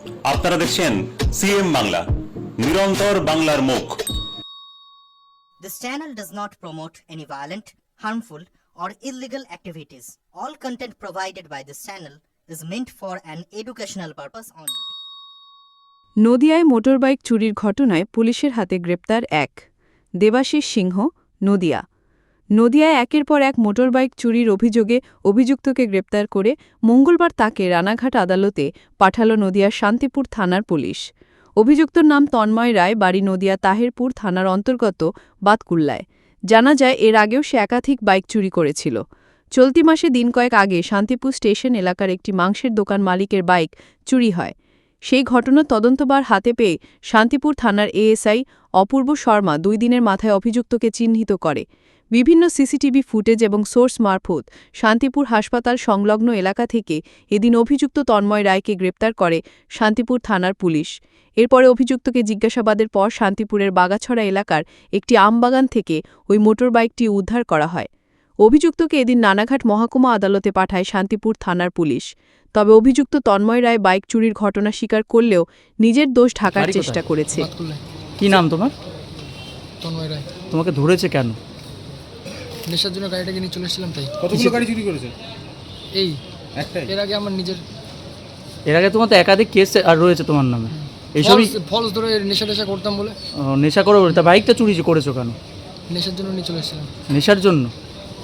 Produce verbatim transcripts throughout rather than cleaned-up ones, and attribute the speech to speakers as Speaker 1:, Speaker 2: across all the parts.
Speaker 1: আপনারা দেখছেন সিএম বাংলা, নিরন্তর বাংলার মুখ।
Speaker 2: This channel does not promote any violent, harmful, or illegal activities. All content provided by this channel is meant for an educational purpose only.
Speaker 3: নদিয়ায় motorbike চুরির ঘটনায় পুলিশের হাতে গ্রেপ্তার এক দেবাশিস সিংহ, নদিয়া। নদিয়ায় একের পর এক মোটরবাইক চুরির অভিযোগে অভিযুক্তকে গ্রেপ্তার করে মঙ্গলবার তাকে রানাঘাট আদালতে পাঠাল নদিয়ার শান্তিপুর থানার পুলিশ। অভিযুক্তর নাম তন্ময় রায়, বাড়ি নদিয়া তাহেরপুর থানার অন্তর্গত বাতকুল্লায়। জানা যায় এর আগেও সে একাধিক বাইক চুরি করেছিল। চলতি মাসে দিন কয়েক আগে শান্তিপুর স্টেশন এলাকার একটি মাংসের দোকান মালিকের বাইক চুরি হয়। সেই ঘটনার তদন্তভার হাতে পেয়ে শান্তিপুর থানার এএসআই অপূর্ব শর্মা দুই দিনের মাথায় অভিযুক্তকে চিহ্নিত করে। বিভিন্ন সিসিটিভি ফুটেজ এবং সোর্স মারফত শান্তিপুর হাসপাতাল সংলগ্ন এলাকা থেকে এদিন অভিযুক্ত তন্ময় রায়কে গ্রেপ্তার করে শান্তিপুর থানার পুলিশ। এরপরে অভিযুক্তকে জিজ্ঞাসাবাদের পর শান্তিপুরের বাগাছড়া এলাকার একটি আমবাগান থেকে ওই মোটরবাইকটি উদ্ধার করা হয়। অভিযুক্তকে এদিন নানাঘাট মহকুমা আদালতে পাঠায় শান্তিপুর থানার পুলিশ। তবে অভিযুক্ত তন্ময় রায় বাইক চুরির ঘটনা স্বীকার করলেও নিজের দোষ ঢাকার চেষ্টা করেছে।
Speaker 4: কি নাম তোমার?
Speaker 5: তন্ময় রায়।
Speaker 4: তোমাকে ধরেছে কেন?
Speaker 5: নেশার জন্য গাড়িটাকে নিয়ে চলে এসেছিলাম তাই।
Speaker 6: কতগুলো গাড়ি চুরি করেছে?
Speaker 5: এই
Speaker 6: একটাই?
Speaker 5: এর আগে আমার নিজের
Speaker 4: এর আগে তোমার তো একাধিক কেস আর রয়েছে তোমার নামে। এইসবই
Speaker 5: ফলস ধরে নেশা টেশা করতাম বলে
Speaker 4: ও, নেশা করে তা বাইকটা চুরি করেছো কেন?
Speaker 5: নেশার জন্য নিয়ে চলে এসেছিলাম।
Speaker 4: নেশার জন্য?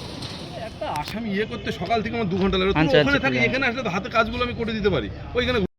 Speaker 6: একটা আসামি ইয়ে করতে সকাল থেকে আমার দু ঘন্টা লাগে।
Speaker 4: আচ্ছা,
Speaker 6: ওখানে
Speaker 4: আচ্ছা,
Speaker 6: থাকি,
Speaker 4: ঠিক আছে।
Speaker 6: এখানে আসলে তো হাতে কাজগুলো আমি করে দিতে পারি। ওইখানে